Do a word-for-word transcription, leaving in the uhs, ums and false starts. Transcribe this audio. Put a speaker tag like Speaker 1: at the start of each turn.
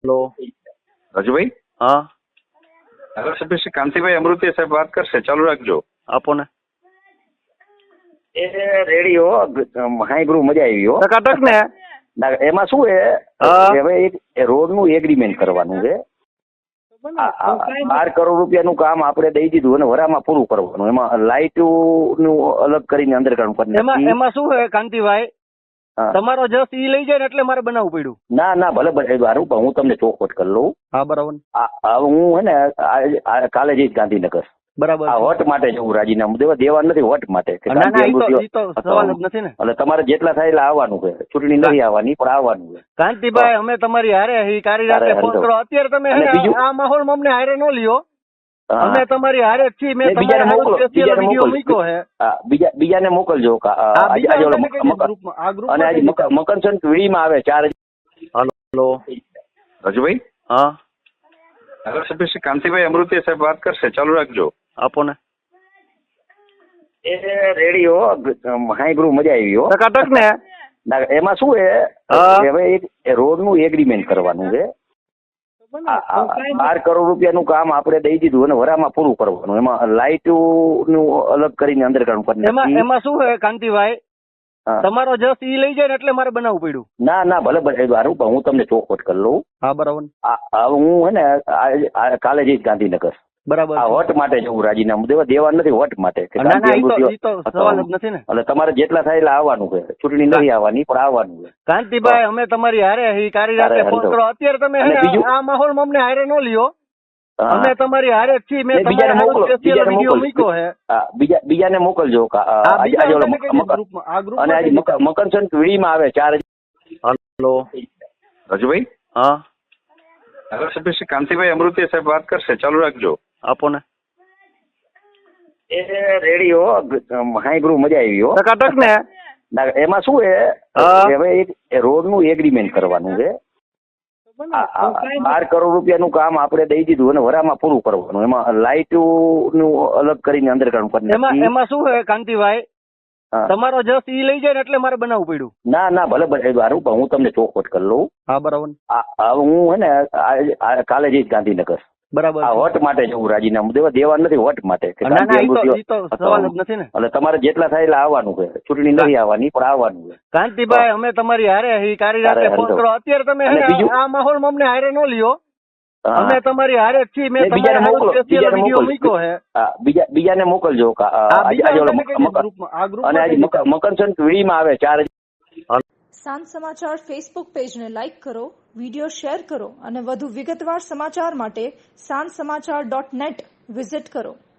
Speaker 1: Hello
Speaker 2: Raju ભાઈ
Speaker 1: हाँ
Speaker 2: ધારાસભ્ય શ્રી કાંતિભાઈ અમૃતિયા સાહેબ વાત કરશે, ચાલુ રાખજો.
Speaker 1: આપો ને
Speaker 3: એ રેડી હો, હાઈ ગ્રુપ મજા આવી હો.
Speaker 1: ટકાટક ને
Speaker 3: ના, એમાં શું છે
Speaker 1: હા.
Speaker 3: કે હવે એક રોડ નું એગ્રીમેન્ટ કરવાનું છે. આ- આ બાર કરોડ રૂપિયાનું કામ આપણે દઈ દીધું અને વરામાં પૂરું કરવાનું. એમાં લાઇટ નું અલગ કરીને અંડરગ્રાઉન્ડ કરી
Speaker 1: એમાં
Speaker 3: નાખી.
Speaker 1: એમાં શું છે કાંતિભાઈ,
Speaker 3: હા.
Speaker 1: તમારો જસ ઈ લઈ જાય ને એટલે મારે બનાવવું પડ્યું.
Speaker 3: ના ના ભલે ભલે સારું, પણ હું તમને ચોખવટ કરી લઉં.
Speaker 1: હા બરાબર
Speaker 3: આ- આ હું હે ને આ- આ કાલે જઈશ ગાંધીનગર.
Speaker 1: બરાબર
Speaker 3: આ વટ માટે જવું, રાજીનામું દેવા દેવા નથી, વટ માટે કે
Speaker 1: ના ના
Speaker 3: ગાંધી
Speaker 1: ઈ તો
Speaker 3: અમૃતિયો-
Speaker 1: ઈ તો સવાલ જ નથી ને
Speaker 3: એટલે તમારે જેટલા થાય એટલે આવવાનું છે. ચૂંટણી નથી આવવાની, પણ આવવાનું છે.
Speaker 1: કાંતિભાઈ, અમે તમારી હારે ઈ કારી રાતે
Speaker 3: અરે,
Speaker 1: ફોન
Speaker 3: હરિભાઈ.
Speaker 1: કરો. અત્યારે તમે હે
Speaker 3: અને
Speaker 1: ને
Speaker 3: બીજું-
Speaker 1: આ માહોલમાં અમને હારે ન લ્યો.
Speaker 3: હા.
Speaker 1: અમે તમારી હારે જ છીએ. મેં
Speaker 3: ને બીજાને
Speaker 1: તમારા
Speaker 3: મોકલો,
Speaker 1: સ્પેશિયલ
Speaker 3: બીજાને
Speaker 1: વિડીયો
Speaker 3: મોકલો.
Speaker 1: મૂક્યો છે.
Speaker 3: હા, બીજા બીજાને મોકલજો. કા- આ-
Speaker 1: આ
Speaker 3: આજે
Speaker 1: બીજા
Speaker 3: આજે ઓલો
Speaker 1: તમે કઈ
Speaker 3: મકર-
Speaker 1: ગ્રુપમાં આ
Speaker 3: અને
Speaker 1: ગ્રુપમાં
Speaker 3: આજે
Speaker 1: કઈ
Speaker 3: મકર- મકરસંક્રાંતિ વીડીમાં આવે ચાર.
Speaker 1: હાલો
Speaker 2: રાજુભાઈ
Speaker 1: હા
Speaker 2: ધારાસભ્ય શ્રી કાંતિભાઈ અમૃતિયા સાહેબ વાત કરશે, ચાલુ રાખજો.
Speaker 1: આપો ને
Speaker 3: એ રેડી હો, હાઈ ગ્રુપ મજા આવી હો.
Speaker 1: ટકાટક ને
Speaker 3: ના, એમાં શું છે
Speaker 1: હા.
Speaker 3: કે હવે એક રોડ નું એગ્રીમેન્ટ કરવાનું છે. આ- આ બાર કરોડ રૂપિયાનું કામ આપણે દઈ દીધું અને વરામાં પૂરું કરવાનું. એમાં લાઇટ નું અલગ કરીને અંડરગ્રાઉન્ડ કરી
Speaker 1: એમાં
Speaker 3: નાખી.
Speaker 1: એમાં શું છે કાંતિભાઈ,
Speaker 3: હા.
Speaker 1: તમારો જસ ઈ લઈ જાય ને એટલે મારે બનાવવું પડ્યું.
Speaker 3: ના ના ભલે ભલે સારું, પણ હું તમને ચોખવટ કરી લઉં.
Speaker 1: હા બરાબર
Speaker 3: આ- આ હું હે ને આ- આ કાલે જઈશ ગાંધીનગર.
Speaker 1: બરાબર
Speaker 3: આ વટ માટે જવું, રાજીનામું દેવા દેવા નથી, વટ માટે કે
Speaker 1: ના ના
Speaker 3: ગાંધી
Speaker 1: ઈ તો
Speaker 3: અમૃતિયો-
Speaker 1: ઈ તો સવાલ જ નથી ને.
Speaker 3: એટલે તમારે જેટલા થાય એટલે આવવાનું છે. ચૂંટણી નથી આવવાની, પણ આવવાનું છે.
Speaker 1: કાંતિભાઈ, અમે તમારી હારે ઈ કારી રાતે
Speaker 3: અરે,
Speaker 1: ફોન
Speaker 3: હરિભાઈ.
Speaker 1: કરો. અત્યારે તમે હે
Speaker 3: અને
Speaker 1: ને
Speaker 3: બીજું-
Speaker 1: આ માહોલમાં અમને હારે ન લ્યો.
Speaker 3: હા.
Speaker 1: અમે તમારી હારે જ છીએ. મેં
Speaker 3: ને બીજાને
Speaker 1: તમારા
Speaker 3: મોકલો,
Speaker 1: સ્પેશિયલ
Speaker 3: બીજાને
Speaker 1: વિડીયો
Speaker 3: મોકલો.
Speaker 1: મૂક્યો છે.
Speaker 3: હા, બીજા બીજાને મોકલજો. કા- આ-
Speaker 1: આ
Speaker 3: આજે
Speaker 1: બીજા
Speaker 3: આજે ઓલો
Speaker 1: તમે કઈ
Speaker 3: મકર-
Speaker 1: ગ્રુપમાં આ
Speaker 3: અને
Speaker 1: ગ્રુપમાં
Speaker 3: આજે
Speaker 1: કઈ
Speaker 3: મકર- મકરસંક્રાંતિ વીડીમાં આવે ચાર.
Speaker 1: હાલો
Speaker 2: રાજુભાઈ
Speaker 1: હા
Speaker 2: ધારાસભ્ય શ્રી કાંતિભાઈ અમૃતિયા સાહેબ વાત કરશે, ચાલુ રાખજો.
Speaker 1: આપો ને
Speaker 3: એ રેડી હો, હાઈ ગ્રુપ મજા આવી હો.
Speaker 1: ટકાટક ને
Speaker 3: ના, એમાં શું છે
Speaker 1: હા.
Speaker 3: કે હવે એક રોડ નું એગ્રીમેન્ટ કરવાનું છે. આ- આ બાર કરોડ રૂપિયાનું કામ આપણે દઈ દીધું અને વરામાં પૂરું કરવાનું. એમાં લાઇટ નું અલગ કરીને અંડરગ્રાઉન્ડ કરી
Speaker 1: એમાં
Speaker 3: નાખી.
Speaker 1: એમાં શું છે કાંતિભાઈ,
Speaker 3: હા.
Speaker 1: તમારો જસ ઈ લઈ જાય ને એટલે મારે બનાવવું પડ્યું.
Speaker 3: ના ના ભલે ભલે સારું, પણ હું તમને ચોખવટ કરી લઉં.
Speaker 1: હા બરાબર
Speaker 3: આ- આ હું હે ને આ- આ કાલે જઈશ ગાંધીનગર.
Speaker 1: બરાબર
Speaker 3: આ વટ માટે જવું, રાજીનામું દેવા દેવા નથી, વટ માટે કે
Speaker 1: ના ના
Speaker 3: ગાંધી
Speaker 1: ઈ તો
Speaker 3: અમૃતિયો-
Speaker 1: ઈ તો સવાલ જ નથી ને.
Speaker 3: એટલે તમારે જેટલા થાય એટલે આવવાનું છે. ચૂંટણી નથી આવવાની, પણ આવવાનું છે.
Speaker 1: કાંતિભાઈ, અમે તમારી હારે ઈ કારી રાતે
Speaker 3: અરે,
Speaker 1: ફોન
Speaker 3: હરિભાઈ.
Speaker 1: કરો. અત્યારે તમે હે
Speaker 3: અને
Speaker 1: ને
Speaker 3: બીજું-
Speaker 1: આ માહોલમાં અમને હારે ન લ્યો.
Speaker 3: હા.
Speaker 1: અમે તમારી હારે જ છીએ. મેં
Speaker 3: ને બીજાને
Speaker 1: તમારા
Speaker 3: મોકલો,
Speaker 1: સ્પેશિયલ
Speaker 3: બીજાને
Speaker 1: વિડીયો
Speaker 3: મોકલો.
Speaker 1: મૂક્યો છે.
Speaker 3: હા, બીજા બીજાને મોકલજો. કા- આ-
Speaker 1: આ
Speaker 3: આજે
Speaker 1: બીજા
Speaker 3: આજે ઓલો
Speaker 1: તમે કઈ
Speaker 3: મકર-
Speaker 1: ગ્રુપમાં આ
Speaker 3: અને
Speaker 1: ગ્રુપમાં
Speaker 3: આજે
Speaker 1: કઈ
Speaker 3: મકર- મકરસંક્રાંતિ વીડીમાં આવે ચાર.
Speaker 4: સાંજ સમાચાર ફેસબુક પેજને લાઇક કરો, વિડીયો શેર કરો અને વધુ વિગતવાર સમાચાર માટે સાંજ સમાચાર ડોટ નેટ વિઝિટ કરો.